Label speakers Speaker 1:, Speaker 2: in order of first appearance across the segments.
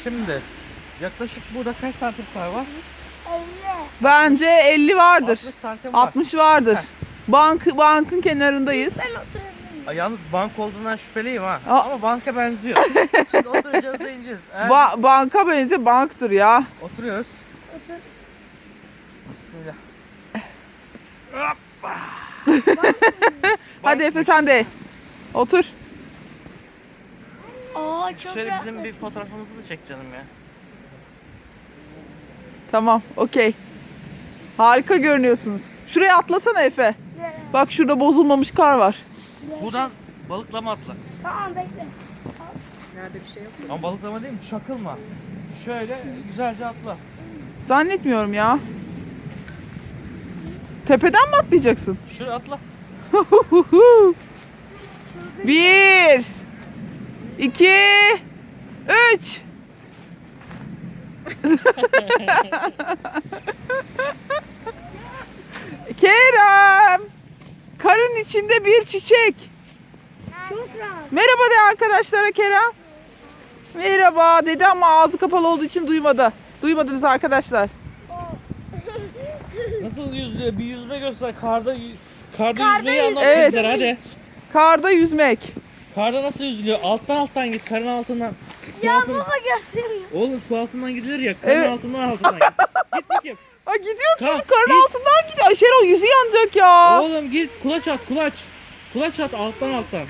Speaker 1: Şimdi yaklaşık burada kaç santim kar var?
Speaker 2: 50.
Speaker 3: Bence 50 vardır.
Speaker 1: 60 santim var.
Speaker 3: 60 vardır. Bankın kenarındayız.
Speaker 2: Ben oturabilirim.
Speaker 1: Yalnız bank olduğundan şüpheliyim ha.
Speaker 3: Aa.
Speaker 1: Ama banka benziyor. Şimdi oturacağız da ineceğiz. Eğer biz
Speaker 3: Banka benziyor, banktır ya.
Speaker 1: oturuyoruz.
Speaker 2: Otur.
Speaker 1: Bismillah.
Speaker 3: Hadi Efe sen de. Otur.
Speaker 2: Aa çok
Speaker 1: Şöyle
Speaker 2: rahat.
Speaker 1: bizim bir fotoğrafımızı da çek canım ya.
Speaker 3: Tamam, okey. Harika görünüyorsunuz. Şuraya atlasana Efe.
Speaker 2: Nereye?
Speaker 3: Bak şurada bozulmamış kar var.
Speaker 1: Buradan balıklama atla.
Speaker 2: Tamam bekle.
Speaker 4: Nerede bir şey yok mu?
Speaker 1: Ama balıklama değil mi? Çakılma. Şöyle güzelce atla.
Speaker 3: Zannetmiyorum ya. Tepeden mi atlayacaksın?
Speaker 1: Şöyle atla.
Speaker 3: 1 2 3 Kerem! Karın içinde bir çiçek.
Speaker 2: Çok rahat.
Speaker 3: Merhaba de arkadaşlara Kerem. Merhaba dedi ama ağzı kapalı olduğu için duymadı. Duymadınız arkadaşlar.
Speaker 1: Nasıl yüzüyor? Bir yüzme göster. Karda
Speaker 2: Karda
Speaker 1: yüzmeyi anlat
Speaker 3: Evet.
Speaker 1: bizlere hadi.
Speaker 3: Karda yüzmek.
Speaker 1: Karda nasıl yüzülüyor? Alttan git. Karın altından. Su
Speaker 2: Ya
Speaker 1: altından.
Speaker 2: baba gösteriyor.
Speaker 1: Oğlum su altından gidilir ya. Karın
Speaker 3: Evet.
Speaker 1: altından git. Git bakayım.
Speaker 3: Aa, gidiyor
Speaker 1: Kalk,
Speaker 3: çocuk karın
Speaker 1: git.
Speaker 3: altından gidiyor. Ay Şenol yüzü yanacak ya.
Speaker 1: Oğlum git. Kulaç at kulaç. Kulaç at alttan.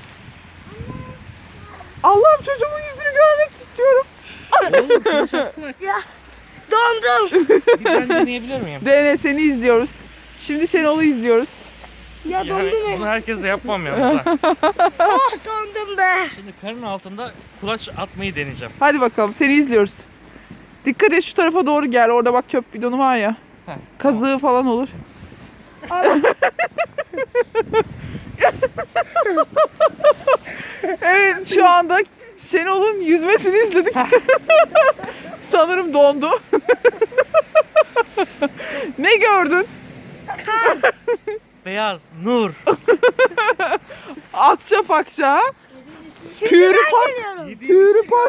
Speaker 3: Allah'ım çocuğumun yüzünü görmek istiyorum.
Speaker 1: Oğlum kulaç atsana.
Speaker 2: Ya dondum.
Speaker 1: Bir ben deneyebilir miyim?
Speaker 3: Dene seni izliyoruz. Şimdi Şenol'u izliyoruz.
Speaker 2: Ya
Speaker 1: Yani
Speaker 2: dondum.
Speaker 1: bunu herkese yapmam yalnız ha.
Speaker 2: Oh dondum be.
Speaker 1: Şimdi karın altında kulaç atmayı deneyeceğim.
Speaker 3: Hadi bakalım seni izliyoruz. Dikkat et şu tarafa doğru gel. Orada bak çöp bidonu var ya.
Speaker 1: Heh,
Speaker 3: Kazığı falan olur. Evet şu anda Şenol'un yüzmesini izledik. Sanırım dondu. Ne gördün?
Speaker 1: Beyaz, nur.
Speaker 3: Akça pakça.
Speaker 2: Şimdi
Speaker 3: Pürü
Speaker 2: ben
Speaker 3: pak.
Speaker 2: geliyorum.
Speaker 3: Pürü pak.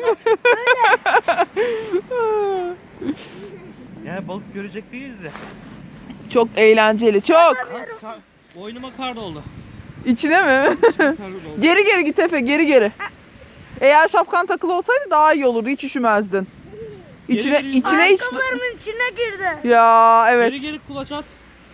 Speaker 1: Yani balık görecek değiliz ya.
Speaker 3: Çok eğlenceli. Çok.
Speaker 1: Boynuma kar doldu.
Speaker 3: İçine mi?
Speaker 1: Kar doldu.
Speaker 3: Geri geri git Efe, geri geri. Eğer şapkan takılı olsaydı daha iyi olurdu, hiç üşümezdin. İçine
Speaker 1: Geri-
Speaker 3: içine hiç
Speaker 2: Ayakkabılarımın içine girdi.
Speaker 3: ya evet.
Speaker 1: Geri kulaç at.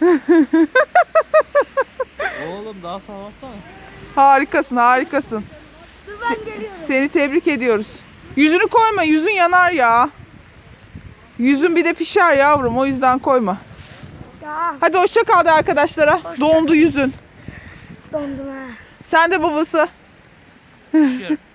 Speaker 1: Oğlum daha sağlansana.
Speaker 3: Harikasın, harikasın.
Speaker 2: Dur ben geliyorum.
Speaker 3: Seni tebrik ediyoruz. Yüzünü koyma, yüzün yanar ya. Yüzün bir de pişer yavrum, o yüzden koyma.
Speaker 2: Ya
Speaker 3: Hadi hoşça kal de arkadaşlara. Dondu yüzün.
Speaker 2: dondum ha.
Speaker 3: Sen de babası.
Speaker 1: Düşüyorum.